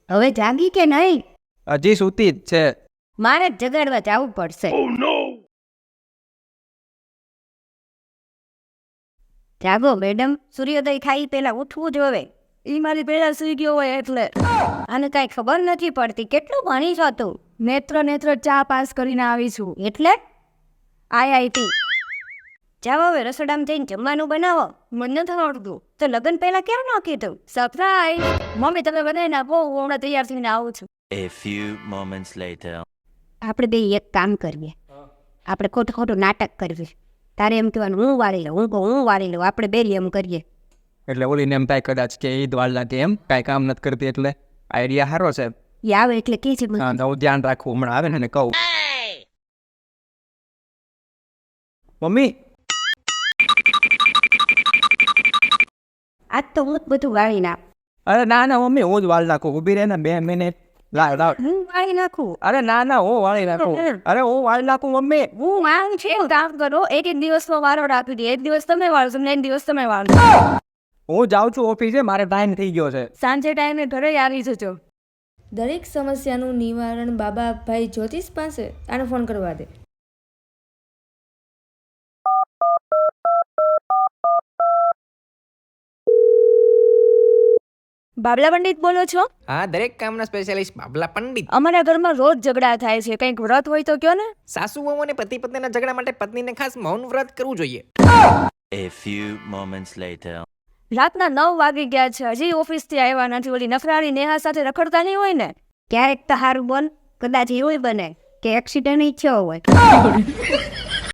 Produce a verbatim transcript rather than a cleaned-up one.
હવે જાગી કે નહીં? હજી સૂતી જ છે. મારે જ જગાડવા જવું પડશે. જાગો મેડમ, સૂર્યોદય થાય પેલા ઉઠવું જ હવે. ઈ મારી પેલા સુઈ ગયો હોય એટલે. આને કાંઈ ખબર નથી પડતી. કેટલું ભણી છો તું? નેત્ર નેત્ર ચા પાસ કરીને આવી છું. એટલે આઈઆઈટી. જાઓ હવે રસોડામાં જઈને જમવાનું બનાવો. મને નથી આવડતું. તો લગ્ન પહેલા કેમ ન કીધું? સરપ્રાઈઝ. મમ્મી તમે બનાવી નાખો, હું હમણાં તૈયાર થઈને આવું છું. A few moments later. આપણે બે એક કામ કરીએ. આપણે ખોટું ખોટું નાટક કરવી. તારે એમ કહેવાનું હું વાળી લઉં, હું કહું હું વાળી લઉં. આપણે બે એમ કરીએ. એટલે ઓલીને એમ થાય કદાચ કે ઈદ વાળલાથી એમ કાંઈ કામ નથી કરતી એટલે આઈડિયા સારો છે. એ આવે એટલે કે છે હા તો હું ધ્યાન રાખવું હમણાં આવે ને એને કહું. મમ્મી આજ તો હું જ બધું વાળી નાખ. અરે ના ના મમ્મી હું જ વાળ નાખું. ઊભી રહે ને બે મિનિટ. લાવ લાવ. હું વાળી નાખું. અરે ના ના હું વાળી નાખું. અરે હું વાળી નાખું મમ્મી. હું વાળું છે એવું કામ કરો. એક એક દિવસમાં વારો રાખી દે. એક દિવસ તમે વાળો છો ને એક દિવસ તમે વાળો. હું જાઉં છું ઓફિસે, મારે ટાઈમ થઈ ગયો છે. સાંજે ટાઈમે ઘરે આવી જજો. દરેક સમસ્યાનું નિવારણ બાબાભાઈ જ્યોતિષ પાસે. આને ફોન કરવા દે. બાબલા પંડિત બોલો છો? હા, દરેક કામના સ્પેશિયાલિસ્ટ બાબલા પંડિત. અમારા ઘરમાં રોજ ઝઘડા થાય છે. કંઈક વ્રત હોય તો કયો ને. સાસુ વહુ અને પતિ પત્નીના ઝઘડા માટે પત્નીને ખાસ મૌન વ્રત કરવું જોઈએ. A few moments later. રાતના નવ વાગી ગયા છે, હજી ઓફિસથી આવ્યા નથી. ઓલી નફરાળી નેહા સાથે રખડતા નહીં હોય ને? ક્યારેક તો હારું બોલ, કદાચ એવું બને કે એક્સિડન્ટ થયો હોય.